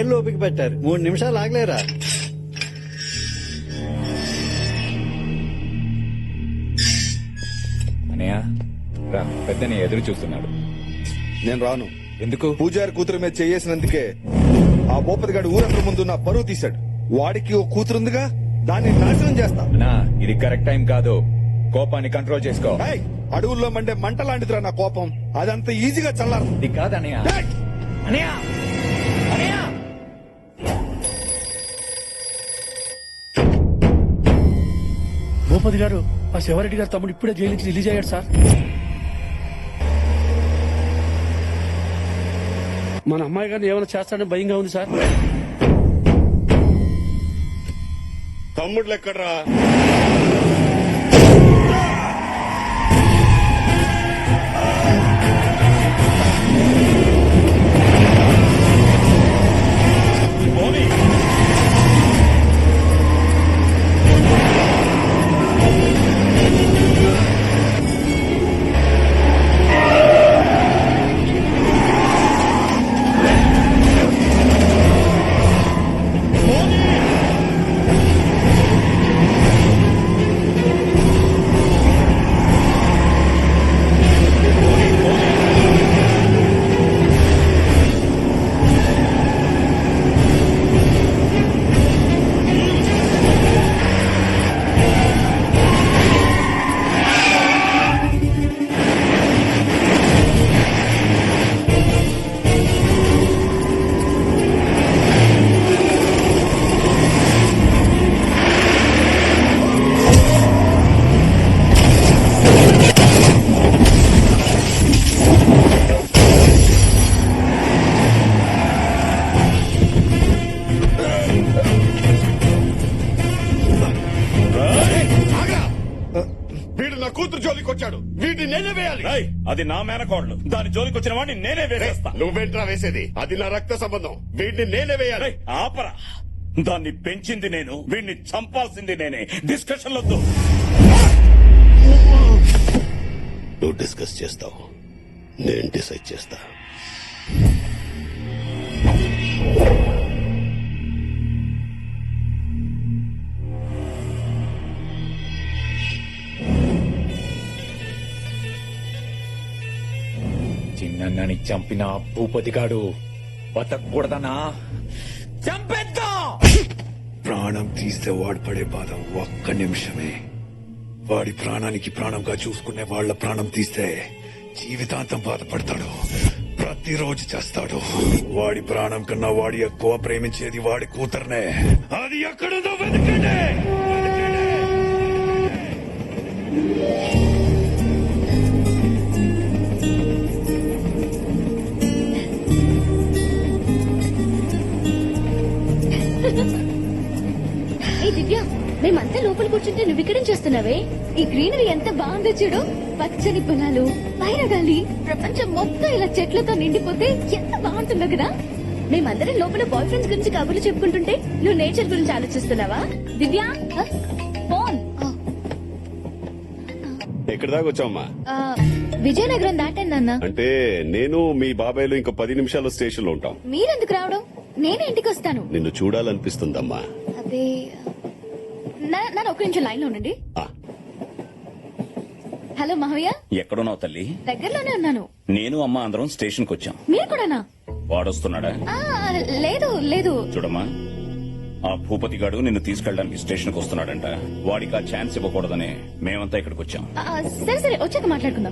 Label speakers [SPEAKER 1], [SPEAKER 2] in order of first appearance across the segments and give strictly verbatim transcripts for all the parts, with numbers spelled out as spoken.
[SPEAKER 1] మూడేళ్లు ఓపిక పెట్టారు, మూడు నిమిషాలు ఆగలేరా?
[SPEAKER 2] అనయ్య రా, పెద్దని ఎదురు చూస్తున్నాడు.
[SPEAKER 3] నేను రాను.
[SPEAKER 2] ఎందుకు?
[SPEAKER 3] పూజారి కూతురు మీద చేయేసినందుకే ఆ భూపతి గారు ఊరందరి ముందు నా పరువు తీశాడు. వాడికి ఓ కూతురుందిగా, దాన్ని నాశనం చేస్తా.
[SPEAKER 2] నా ఇది కరెక్ట్ టైం కాదు, కోపాన్ని కంట్రోల్ చేసుకో.
[SPEAKER 3] ఏయ్, అడవుల్లో మండే మంట లాంటిదిరా నా కోపం, అదంత ఈజీగా చల్లారు.
[SPEAKER 2] ఇది కాదు అనయ్య. అనయ్య అనయ్య
[SPEAKER 4] భూపతి గారు, ఆ శివారెడ్డి గారు తమ్ముడు ఇప్పుడే జైలు నుంచి రిలీజ్ అయ్యాడు సార్. మన అమ్మాయి గారిని ఏమైనా చేస్తాడని భయంగా ఉంది సార్.
[SPEAKER 5] తమ్ముళ్ళు ఎక్కడ్రా? కూతురు జోలికి వచ్చాడు, వీటిని నేనే వేయాలి.
[SPEAKER 6] అది నా మేనకోడలు, దాని జోలికి వచ్చిన వాడిని నేనే వేసేస్తా.
[SPEAKER 5] నువ్వేంట్రా వేసేది? అది నా రక్త సంబంధం, వీటిని నేనే వేయాలి.
[SPEAKER 6] ఆపరా, దాన్ని పెంచింది నేను, వీడిని చంపాల్సింది నేనే. డిస్కషన్ వద్దు.
[SPEAKER 5] నువ్వు డిస్కస్ చేస్తావు, నేను డిసైడ్ చేస్తా.
[SPEAKER 2] చిన్నని చంపిన భూపతిగాడు బతకూడదనా? చంపేద్దాం.
[SPEAKER 7] ప్రాణం తీస్తే వాడు పడే బాధ ఒక్క నిమిషమే. వాడి ప్రాణానికి ప్రాణంగా చూసుకునే వాళ్ళ ప్రాణం తీస్తే జీవితాంతం బాధపడతాడు, ప్రతిరోజు చేస్తాడు. వాడి ప్రాణం కన్నా వాడి ఎక్కువ ప్రేమించేది వాడి కూతుర్నే. అది ఎక్కడుందో వెతకండి.
[SPEAKER 8] ఏ దివ్య, మేమంతా లోపల కూర్చుంటే నువ్వు ఇక్కడేం చేస్తున్నావే? ఈ గ్రీనరీ ఎంత బాగుందో చూడు, పచ్చని పొలాలు, పైన గాలి, ప్రపంచం మొత్తం ఇలా చెట్లతో నిండిపోతే ఎంత బాగుంటుందో కదా. మేమందరం లోపల బాయ్ ఫ్రెండ్స్ గురించి కబుర్లు చెప్పుకుంటుంటే నువ్వు నేచర్ గురించి ఆలోచిస్తున్నావా? దివ్య, ఫోన్.
[SPEAKER 5] ఎక్కడి దాకా వచ్చావమ్మా?
[SPEAKER 8] విజయనగరం దాటాను నాన్న.
[SPEAKER 5] అంటే నేను మీ బాబాయ్లు ఇంకో పది నిమిషాలు స్టేషన్ లో ఉంటాం.
[SPEAKER 8] మీరెందుకు రావడం? నేనే ఇంటికి వస్తాను.
[SPEAKER 5] నిన్ను చూడాలనిపిస్తుందమ్మా.
[SPEAKER 8] అదే, నన్ను ఒక్క నిమిషం లైన్ లో ఉండండి. హలో మహవయ్య.
[SPEAKER 6] ఎక్కడున్నావు తల్లి?
[SPEAKER 8] దగ్గరలోనే ఉన్నాను.
[SPEAKER 6] నేను అమ్మ అందరం స్టేషన్ కు వచ్చాం.
[SPEAKER 8] మీరు కూడానా?
[SPEAKER 6] వాడొస్తున్నాడా?
[SPEAKER 8] లేదు లేదు.
[SPEAKER 6] చూడమ్మా, ఆ భూపతి గాడు నిన్ను తీసుకెళ్ళడానికి స్టేషన్ కు వస్తున్నాడంట. వాడికి ఆ ఛాన్స్ ఇవ్వకూడదని మేమంతా ఇక్కడికి వచ్చాం.
[SPEAKER 8] సరే సరే, వచ్చాక మాట్లాడుకుందాం.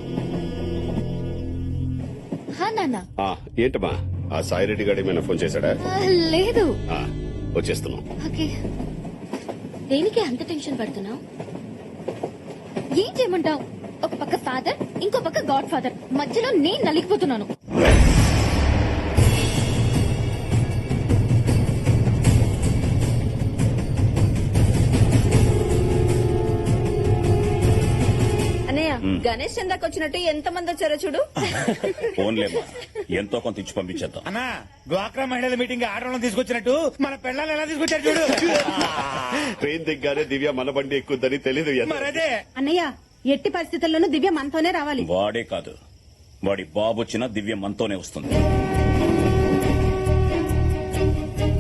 [SPEAKER 8] నాన్న.
[SPEAKER 5] ఏంటమ్మా, ఆ సాయిరెడ్డి గారు ఏమైనా ఫోన్ చేశాడా?
[SPEAKER 8] లేదు.
[SPEAKER 5] వచ్చేస్తున్నాం.
[SPEAKER 8] ఓకే. దేనికి అంత టెన్షన్ పడుతున్నావు? ఏం చేయమంటావు? ఒక పక్క ఫాదర్, ఇంకో పక్క గాడ్ ఫాదర్, మధ్యలో నేను నలిగిపోతున్నాను.
[SPEAKER 9] గణేష్ చందాకి వచ్చినట్టు ఎంత మంది వచ్చారో చూడు.
[SPEAKER 6] ఫోన్లేమ్మా, ఎంతో కొంత ఇచ్చి పంపించేద్దాం.
[SPEAKER 10] అన్నా, డ్వాక్రా మహిళల మీటింగ్ ఆడవాళ్ళని తీసుకొచ్చినట్టు మన పెళ్ళాలను ఎలా తీసుకొచ్చారు చూడు.
[SPEAKER 5] ట్రైన్ దిగ్గానే దివ్య మన బండి ఎక్కుద్దని తెలీదు.
[SPEAKER 9] మరదే అన్నయ్య, ఎట్టి పరిస్థితుల్లోనూ దివ్య మనతోనే రావాలి.
[SPEAKER 6] వాడే కాదు, వాడి బాబు వచ్చినా దివ్య మనతోనే వస్తుంది.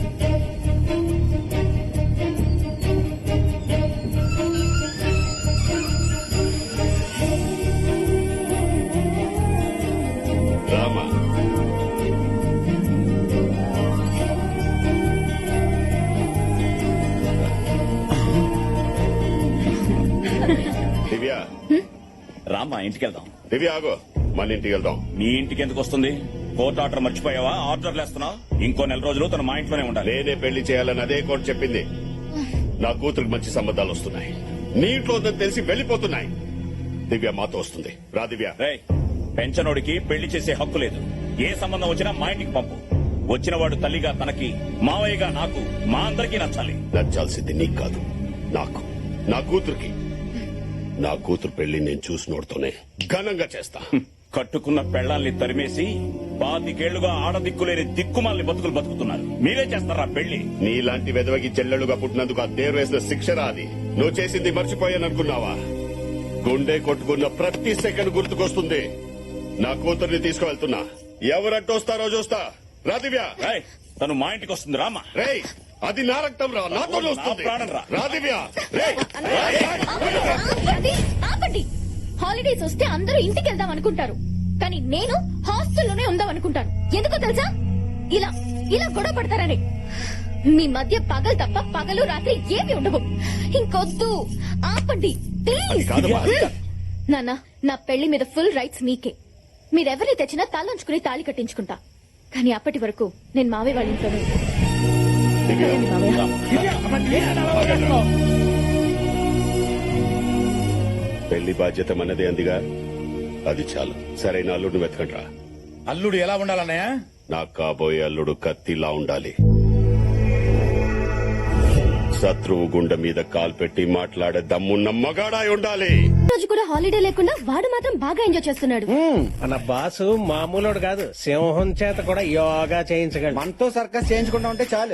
[SPEAKER 6] రామ్మా ఇంటికి వెళ్దాం.
[SPEAKER 5] దివ్య ఆగో, మన ఇంటికి వెళ్దాం.
[SPEAKER 6] నీ ఇంటికి ఎందుకు వస్తుంది? కోర్టు ఆర్డర్ మర్చిపోయావా? ఆర్డర్లు వేస్తున్నావు. ఇంకో నెల రోజులు తన మా ఇంట్లోనే ఉండాలి.
[SPEAKER 5] నేనే పెళ్లి చేయాలని అదే కోర్టు చెప్పింది. నా కూతురికి మంచి సంబంధాలు వస్తున్నాయి. నీ ఇంట్లో ఉందని తెలిసి వెళ్లిపోతున్నాయి. దివ్య మాతో వస్తుంది. రా దివ్య.
[SPEAKER 6] రేయ్, పెంచనోడికి పెళ్లి చేసే హక్కు లేదు. ఏ సంబంధం వచ్చినా మా ఇంటికి పంపు. వచ్చిన వాడు తల్లిగా తనకి, మావయ్యగా నాకు, మా అందరికీ నచ్చాలి.
[SPEAKER 5] నచ్చాల్సింది నీకు కాదు, నాకు, నా కూతురికి. నా కూతురు పెళ్లి నేను చూసినోడుతోనే ఘనంగా చేస్తా.
[SPEAKER 6] కట్టుకున్న పెళ్లాల్ని తరిమేసి పాతికేళ్లుగా ఆడదిక్కులేని దిక్కుమాలని బతుకులు బతుకుతున్నారు. మీరే చేస్తారా పెళ్లి?
[SPEAKER 5] నీలాంటి వెదవకి చెల్లెలుగా పుట్టినందుకు ఆ దేరు వేసిన శిక్షరా అది. నువ్వు చేసింది మర్చిపోయాననుకున్నావా? గుండె కొట్టుకున్న ప్రతి సెకండ్ గుర్తుకొస్తుంది. నా కూతుర్ని తీసుకువెళ్తున్నా. ఎవరంటూ వస్తారో చూస్తా. రా దివ్య.
[SPEAKER 6] రేయ్, తను మా ఇంటికి వస్తుంది. రామా.
[SPEAKER 5] రేయ్, అది నా రక్తం రా, నాతో వస్తుంది.
[SPEAKER 6] నా ప్రాణం రా.
[SPEAKER 5] రా దివ్య. రేయ్.
[SPEAKER 8] ఆపండి, ఆపండి. హాలిడేస్ వస్తే అందరూ ఇంటికి వెళ్దాం అనుకుంటారు, కానీ నేను హాస్టల్లోనే ఉందాం అనుకుంటాను. ఎందుకో తెలుసా? ఇలా ఇలా గొడవ పడతారని. మీ మధ్య పగలు తప్ప పగలు రాత్రి ఏమి ఉండవు. ఇంకొద్దు, ఆపండి ప్లీజ్.
[SPEAKER 5] కాదమ్మా.
[SPEAKER 8] నాన్న, నా పెళ్లి మీద ఫుల్ రైట్స్ మీకే. మీరెవరిని తెచ్చినా తలంచుకుని తాళి కట్టించుకుంటా. కానీ అప్పటి వరకు నేను మావే వాళ్ళ ఇంట్లోనే ఉంటాను. సరేండి మావయ్య.
[SPEAKER 5] పెళ్లి బాధ్యత మనదే అందిగా, అది చాలు. సరైన అల్లుడిని వెతకండ్రా.
[SPEAKER 10] అల్లుడు ఎలా ఉండాలన్నయ్య?
[SPEAKER 5] నాకు కాబోయే అల్లుడు కత్తిలా ఉండాలి. శత్రువు గుండె మీద కాలు పెట్టి మాట్లాడే దమ్మున్న మగాడాయి ఉండాలి.
[SPEAKER 8] రోజు కూడా హాలిడే లేకుండా వాడు మాత్రం బాగా ఎంజాయ్ చేస్తున్నాడు.
[SPEAKER 11] మన బాసు మామూలుడు కాదు, సింహం చేత కూడా యోగా చేయించగలడు.
[SPEAKER 1] మనతో సర్కస్ చేయించుకుంటా ఉంటే చాలు.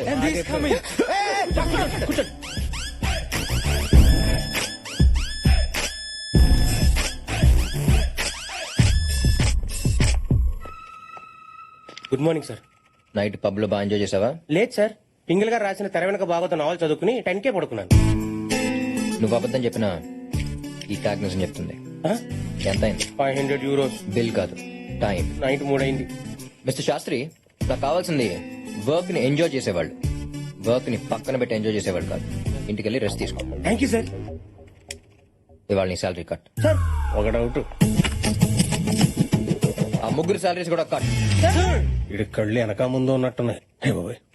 [SPEAKER 11] Good morning sir.
[SPEAKER 12] Night pub లో బాగా ఎంజాయ్ చేసావా?
[SPEAKER 11] లేదు సార్, పింగిల్ గారు రాసిన తెర వెనక బాగోతో నావల్ చదువుకుని టెన్ కే పడుకున్నాను.
[SPEAKER 12] నువ్వు అబద్ధం చెప్పినా ఈ టాగ్నెస్ చెప్తుంది. ఎంత అయింది?
[SPEAKER 11] Five hundred euros.
[SPEAKER 12] బిల్ కాదు, టైం.
[SPEAKER 11] నైట్ మూడైంది.
[SPEAKER 12] మిస్టర్ శాస్త్రి, నాకు కావాల్సింది వర్క్ ని ఎంజాయ్ చేసేవాళ్ళు, వర్క్ ని పక్కన పెట్టి ఎంజాయ్ చేసేవాళ్ళు కాదు. ఇంటికి వెళ్ళి రెస్ట్ తీసుకో.
[SPEAKER 11] Thank you sir.
[SPEAKER 12] ఇవాళ నీ శాలరీ కట్.
[SPEAKER 11] సార్ ఒక డౌట్,
[SPEAKER 12] ఆ ముగ్గురు శాలరీస్ కూడా కట్.
[SPEAKER 11] ఇది కళ్ళు వెనక ముందు ఉన్నట్టున్నాయి. హే బాబోయ్.